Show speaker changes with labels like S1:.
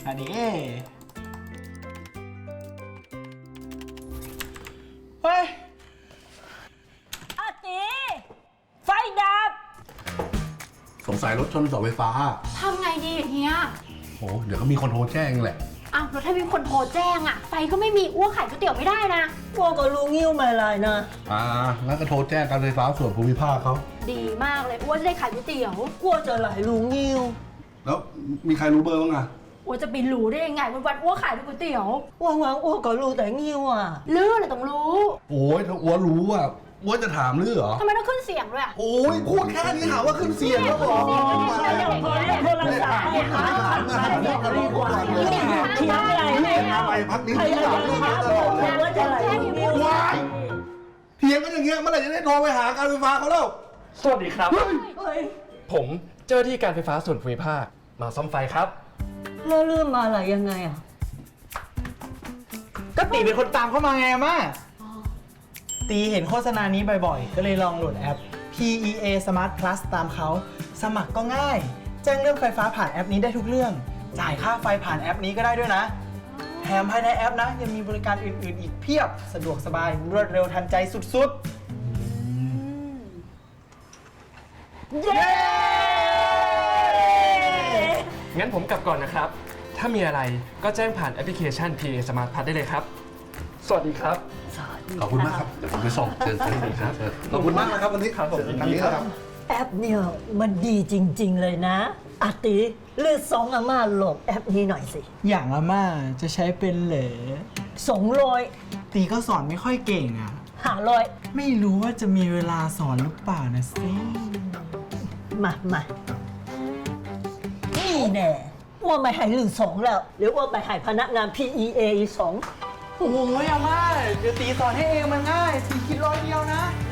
S1: อันนี้เฮ้ย
S2: อาตีไฟดับ
S3: สงสัยรถชนเสาไฟฟ้า
S4: ทำไงดีเฮีย
S3: โอ้เดี๋ยวก็มีคนโทรแจ้งแหละ
S4: อ้าวแล้วถ้ามีคนโทรแจ้งอะไฟก็ไม่มีอ้วกขายก๋วยเตี๋ยวไม่ได้นะ
S2: อ้วก็รู้งิ้วไม่ไรนะ
S3: งั้นก็โทรแจ้งการไฟฟ้าส่วนภูมิภาคเขา
S4: ดีมากเลยอ้วจะได้ขายก๋วยเตี๋ยว
S2: อ้วจะไหลรู้งิ้ว
S3: แล้วมีใครรู้เบอร์บ้างอะ
S4: อ้วจะไปรู้ได้ยังไงวันๆอ้วขายแต่ก๋วยเตี๋ยว
S2: ว่างๆอ้วก็รู้แต่งิ้วอ่ะ
S4: ลื้ออะไรต้องรู้
S3: โอ้ยถ้าอ้วนรู้อะอ้วนจะถามลือเหรอ
S4: ทำไมต้องขึ้นเสียงด้วยอะ
S3: โอ้ยพูดแค่นี้หาว่าขึ้นเสียงแล้วเหรอ
S2: โทรศัพท์ให้หาดีกว่าเทียงอะไรไม่เอา
S3: ไปพักนี้
S2: ใคร
S3: ที่
S2: จะ
S3: หลัง
S2: หาบอกว่าจะไหลรู้งิ้ว
S3: ว้ายเถียงกันอย่างเงี้ยเมื่อไหร่จะได้โทรไปหาการไฟฟ้าเขาแล้ว
S1: สวัสดีครับ
S2: เฮ้ย
S1: ผมเจ้าหน้าที่การไฟฟ้าส่วนภูมิภาคมาซ่อมไฟครับ
S2: แล้วเรื่องมาอะไรยังไงอ่ะ
S5: ก็ตีเป็นคนตามเข้ามาไงอาม่าตีเห็นโฆษณานี้บ่อยๆ ก็เลยลองโหลดแอป PEA Smart Plus ตามเขา สมัครก็ง่าย แจ้งเรื่องไฟฟ้าผ่านแอปนี้ได้ทุกเรื่อง จ่ายค่าไฟผ่านแอปนี้ก็ได้ด้วยนะ แถมภายในแอปนะ ยังมีบริการอื่นๆ อีกเพียบ สะดวกสบาย รวดเร็วทันใจสุดๆ
S2: เย้
S1: งั้นผมกลับก่อนนะครับ ถ้ามีอะไรก็แจ้งผ่านแอปพลิเคชัน PA Smart Pass ได้เลยครับ สวัสดีครับ
S3: ขอบคุณมากครับ เดี๋ยวผมไปส่งเชิญครับขอบคุณมากนะครับวันนี้ครับผมทางนี้ครับ
S2: แอปเนี่ยมันดีจริง ๆ เลยนะอาติเลือกสองอาม่าโหลดแอปนี้หน่อยสิ
S5: อย่างอาม่าจะใช้เป็นเหรอ
S2: 200
S5: ตีก็สอนไม่ค่อยเก่งอ่ะ
S2: 500
S5: ไม่รู้ว่าจะมีเวลาสอนหรือเปล่านะสิ
S2: มานี่แน่ว่าไม่ให้ลืมสองแล้วหรือว่าไม่ให้พนักงาน PEA อีกสอง
S5: โอ้ยอาม่าเดี๋ยวตีสอนให้เองมันง่ายตีคิดร้อยเดียวนะ
S2: ไ